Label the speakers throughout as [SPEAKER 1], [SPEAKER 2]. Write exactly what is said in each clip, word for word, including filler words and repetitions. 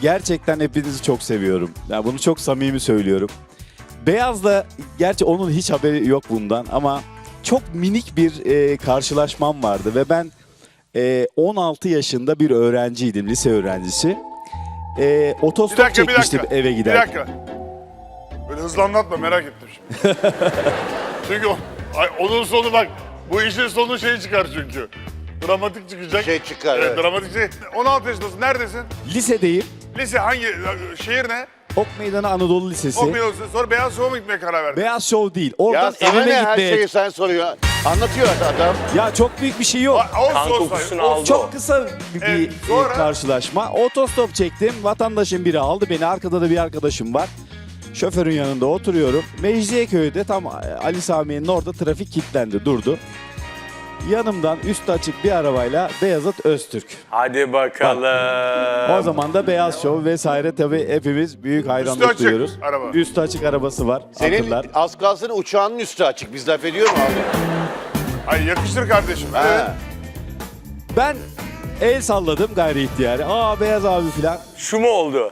[SPEAKER 1] gerçekten hepinizi çok seviyorum. Yani bunu çok samimi söylüyorum. Beyaz'la, gerçi onun hiç haberi yok bundan ama çok minik bir e, karşılaşmam vardı ve ben e, on altı yaşında bir öğrenciydim, lise öğrencisi. E, otostop
[SPEAKER 2] Bir dakika, bir
[SPEAKER 1] çekmiştim
[SPEAKER 2] dakika.
[SPEAKER 1] eve
[SPEAKER 2] Bir
[SPEAKER 1] giderken.
[SPEAKER 2] dakika. Böyle hızlı anlatma, merak ettim şimdi. Çünkü o, ay, onun sonu bak, bu işin sonu şey çıkar çünkü. Dramatik çıkacak.
[SPEAKER 3] Şey çıkar,
[SPEAKER 2] Evet,
[SPEAKER 3] evet.
[SPEAKER 2] dramatik şey. on altı yaşındasın, neredesin?
[SPEAKER 1] Lisedeyim.
[SPEAKER 2] Lise hangi, şehir ne?
[SPEAKER 1] Ok Meydanı Anadolu Lisesi.
[SPEAKER 2] Okumuyorsun, sonra Beyaz Şov'a mı gitmeye karar verdin?
[SPEAKER 1] Beyaz Show değil.
[SPEAKER 3] Ya
[SPEAKER 1] Oradan
[SPEAKER 3] sana
[SPEAKER 1] evime
[SPEAKER 3] ne her
[SPEAKER 1] gitmeye...
[SPEAKER 3] şeyi sen soruyor. Anlatıyor adam.
[SPEAKER 1] Ya çok büyük bir şey yok.
[SPEAKER 2] A- olsun,
[SPEAKER 4] Kan
[SPEAKER 2] olsun,
[SPEAKER 4] kokusunu
[SPEAKER 2] olsun.
[SPEAKER 4] aldı.
[SPEAKER 1] Çok kısa bir, bir,
[SPEAKER 2] Evet,
[SPEAKER 1] e,
[SPEAKER 2] sonra?
[SPEAKER 1] karşılaşma. Otostop çektim. Vatandaşın biri aldı beni. Arkada da bir arkadaşım var. Şoförün yanında oturuyorum. Mecidiyeköy'de tam Ali Sami'nin orada trafik kilitlendi, durdu. Yanımdan üstü açık bir arabayla Beyazıt Öztürk.
[SPEAKER 4] Hadi bakalım.
[SPEAKER 1] O zaman da Beyaz Show vesaire, tabii hepimiz büyük hayranlık
[SPEAKER 2] açık
[SPEAKER 1] duyuyoruz.
[SPEAKER 2] araba.
[SPEAKER 1] Üstü açık arabası var.
[SPEAKER 3] Senin
[SPEAKER 1] Hatırlar.
[SPEAKER 3] az kalsın uçağının üstü açık. Biz laf ediyor mu abi?
[SPEAKER 2] Ay yakıştır kardeşim. Evet.
[SPEAKER 3] Ha.
[SPEAKER 1] Ben el salladım gayri ihtiyari. Aa Beyaz abi falan.
[SPEAKER 4] Şu mu oldu?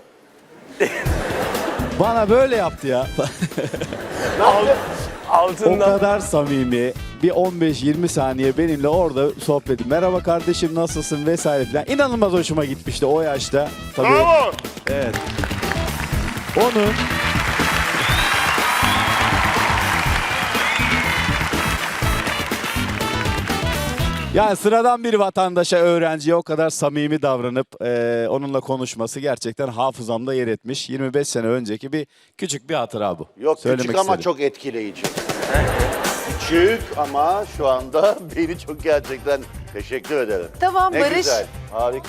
[SPEAKER 1] Bana böyle yaptı ya. O
[SPEAKER 4] Altından.
[SPEAKER 1] kadar samimi. Bir on beş yirmi saniye benimle orada sohbeti. Merhaba kardeşim, nasılsın vesaire falan. İnanılmaz hoşuma gitmişti o yaşta. Tabii.
[SPEAKER 2] Bravo.
[SPEAKER 1] Evet. Onun yani sıradan bir vatandaşa, öğrenciye o kadar samimi davranıp e, onunla konuşması gerçekten hafızamda yer etmiş. yirmi beş sene önceki bir küçük bir hatıra bu.
[SPEAKER 3] Yok
[SPEAKER 1] Söylemek
[SPEAKER 3] küçük ama
[SPEAKER 1] istedim.
[SPEAKER 3] çok etkileyici. Küçük ama şu anda beni çok gerçekten teşekkür ederim.
[SPEAKER 5] Tamam
[SPEAKER 3] Ne
[SPEAKER 5] Barış.
[SPEAKER 3] güzel. Harika.